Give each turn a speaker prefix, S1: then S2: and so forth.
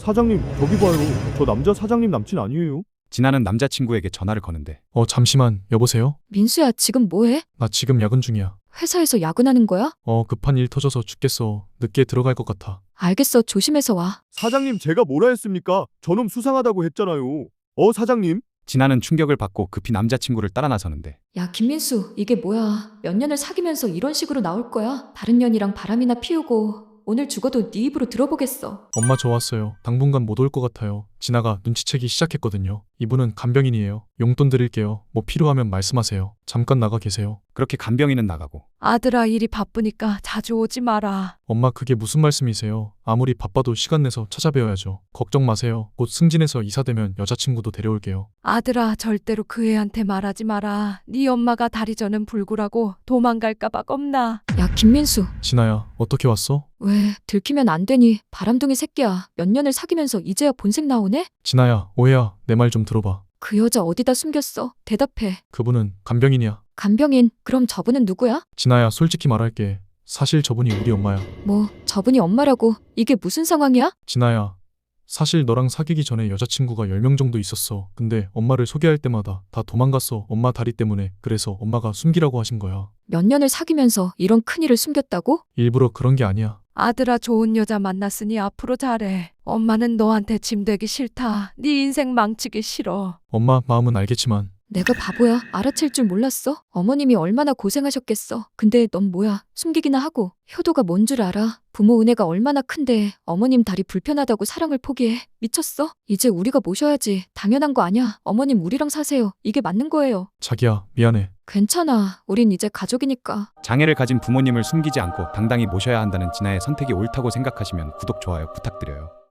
S1: 사장님, 저기 봐요. 저 남자 사장님 남친 아니에요?
S2: 진아는 남자친구에게 전화를 거는데
S3: 잠시만, 여보세요?
S4: 민수야, 지금 뭐해?
S3: 나 지금 야근 중이야.
S4: 회사에서 야근하는 거야?
S3: 급한 일 터져서 죽겠어. 늦게 들어갈 것 같아.
S4: 알겠어, 조심해서 와.
S1: 사장님, 제가 뭐라 했습니까? 저놈 수상하다고 했잖아요. 사장님?
S2: 진아는 충격을 받고 급히 남자친구를 따라 나서는데
S4: 야, 김민수, 이게 뭐야? 몇 년을 사귀면서 이런 식으로 나올 거야? 다른 년이랑 바람이나 피우고 오늘 죽어도 네 입으로 들어보겠어.
S3: 엄마 저 왔어요. 당분간 못 올 것 같아요. 진아가 눈치채기 시작했거든요. 이분은 간병인이에요. 용돈 드릴게요. 뭐 필요하면 말씀하세요. 잠깐 나가 계세요.
S2: 그렇게 간병인은 나가고
S5: 아들아, 일이 바쁘니까 자주 오지 마라.
S3: 엄마 그게 무슨 말씀이세요? 아무리 바빠도 시간 내서 찾아뵈어야죠. 걱정 마세요. 곧 승진해서 이사되면 여자친구도 데려올게요.
S5: 아들아, 절대로 그 애한테 말하지 마라. 네 엄마가 다리 저는 불구라고 도망갈까 봐 겁나.
S4: 야, 김민수.
S3: 진아야, 어떻게 왔어?
S4: 왜 들키면 안 되니? 바람둥이 새끼야. 몇 년을 사귀면서 이제야 본색 나오네?
S3: 진아야, 오해야. 내 말 좀 들어봐.
S4: 그 여자 어디다 숨겼어? 대답해.
S3: 그분은 간병인이야.
S4: 간병인, 그럼 저분은 누구야?
S3: 진아야, 솔직히 말할게. 사실 저분이 우리 엄마야.
S4: 뭐, 저분이 엄마라고? 이게 무슨 상황이야?
S3: 진아야, 사실 너랑 사귀기 전에 여자친구가 10명 정도 있었어. 근데 엄마를 소개할 때마다 다 도망갔어. 엄마 다리 때문에. 그래서 엄마가 숨기라고 하신 거야.
S4: 몇 년을 사귀면서 이런 큰일을 숨겼다고?
S3: 일부러 그런 게 아니야.
S5: 아들아, 좋은 여자 만났으니 앞으로 잘해. 엄마는 너한테 짐 되기 싫다. 네 인생 망치기 싫어.
S3: 엄마 마음은 알겠지만
S4: 내가 바보야. 알아챌 줄 몰랐어? 어머님이 얼마나 고생하셨겠어. 근데 넌 뭐야? 숨기기나 하고. 효도가 뭔 줄 알아? 부모 은혜가 얼마나 큰데 어머님 다리 불편하다고 사랑을 포기해. 미쳤어? 이제 우리가 모셔야지. 당연한 거 아냐? 어머님 우리랑 사세요. 이게 맞는 거예요.
S3: 자기야, 미안해.
S4: 괜찮아. 우린 이제 가족이니까.
S2: 장애를 가진 부모님을 숨기지 않고 당당히 모셔야 한다는 진아의 선택이 옳다고 생각하시면 구독, 좋아요 부탁드려요.